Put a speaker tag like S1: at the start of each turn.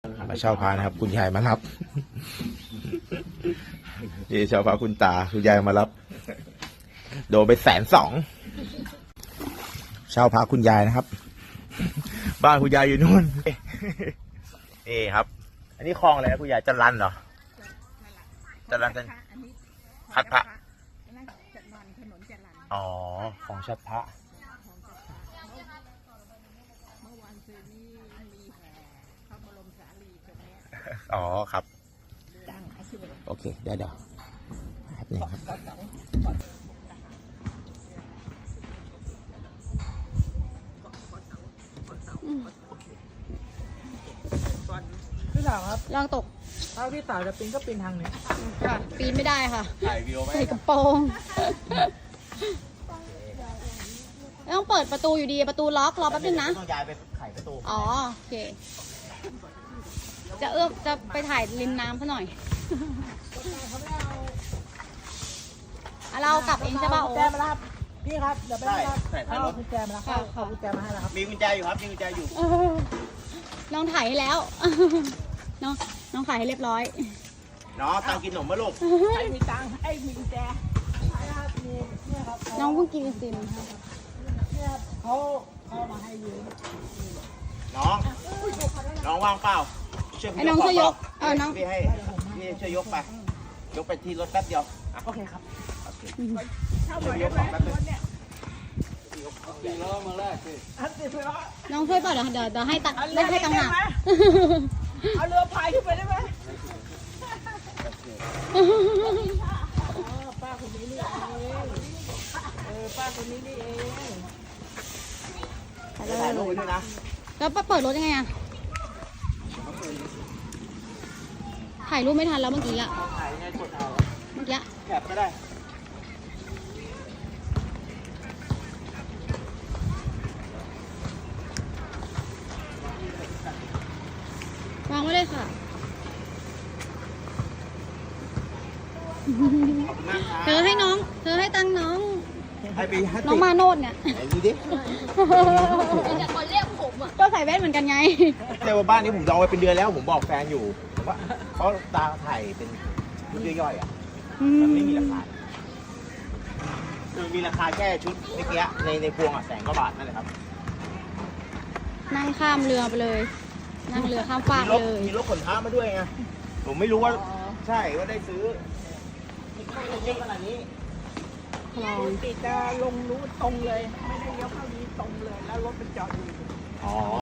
S1: มาเช่าพานะครับคุณยายมารับนี่เช่าพาคุณตาคุณยายมารับโดนไป120,000เช่าพาคุณยายนะครับบ้านคุณยายอยู่นู่นนี่ครับ อันนี้คลองอะไรนะคุณยายจันรันเหรอจันรันพัดพระอ๋อของชัดพระอ๋อครับโอเคเดี๋ยวครับนี่ครับ
S2: พี่สาวครับ
S3: ลองตก
S2: ถ้าพี่สาวจะปีนก็ปีนทางนี้
S3: ค่ะ ปีนไม่ได้ค่ะ
S1: ถ่ายวิดีโอไหม
S3: ใส่กระโปรงต้องเปิดประตูอยู่ดีประตูล็อกรอแป๊บนึงนะ
S1: ต้องย้ายไปไขประตู
S3: อ๋อโอเคจะไปถ่ายริมน้ำซะหน่อยเรากลับเองใช่ป่ะโอ้
S2: แจมาแล้วครับพี่ครับเดี๋ยวไปรับเอากุญแจมาแล้วครับเอากุญแจมาให้แล้วครับ
S1: มีกุญแจอยู่ครับมีกุญแจอยู่
S3: น้องถ่ายให้แล้ว น้องถ่ายให้เรียบร้อย
S1: น้องตังกินขนมมาลูก
S2: ไอ้มีตังค์ไอ้มีกุญแจใช่ครับมีเนี่ยครับ
S3: น้องเพิ่งกินไอติมค่ะ
S2: เนี่ยครับเขามาให้ยืม
S1: น้องว่างเปล่า
S3: ไอ้น้องช่วยยกน้อง
S1: พี่ให้พี่ช่วยยกไปยกไปที่รถแป๊บเดียว
S2: โอเคครับ
S1: ช่วยยกของแป๊บนึง
S2: อันติดไปแล้ว
S3: น้องช่วยป่ะเดี๋ยวให้ตังค์ให้ตังค์หนัก
S2: เอาเรือพายขึ้นไปได้ไหมป้าคนนี้นี่เองป้าคนนี้นี่เอง
S1: ถ่ายรูปไว้ด้วยนะ
S3: แล้วเปิดรถยังไงอะถ่ายรูปไม่ทันแล้วเมื่อกี้อะ
S1: ถ่ายยังไงกดเอา
S3: เมื่อกี้
S1: แคปก็ได้
S3: วางไว้เลยค่ะ เธอให้ตังค์น้อง
S1: ให้ปีให้
S3: น้องมาโนดเนี่ย
S1: ไหนดูดิ
S3: แต่คนเรียกผมอ่ะก็ใส่แว่นเหมือนกันไง
S1: แต่ว่าบ้านนี้ผมจองไว้เป็นเดือนแล้วผมบอกแฟนอยู่ว่าเขาตาถ่ายเป็นชุดย่อยๆอ่ะมันไม่มีราคาคือมีราคาแค่ชุดเมื่อกี้ในพวงอ่ะ100,000 กว่าบาทนั่นแหละครับ
S3: นั่งข้ามเรือไปเลย นั่งเรือข้ามฟาก
S1: มีรถ
S3: เลย
S1: มีรถขนท้ามาด้วยไงผมไม่รู้ว่าใช่ว่าได้ซื้อเยอะขนาดนี้
S3: คลอง
S2: ติดจะลงรู้ตรงเลย ไม่ได้เลี้ยวเข้านี้ตรงเลย แล้วรถมันจอดอยู่
S1: อ๋อ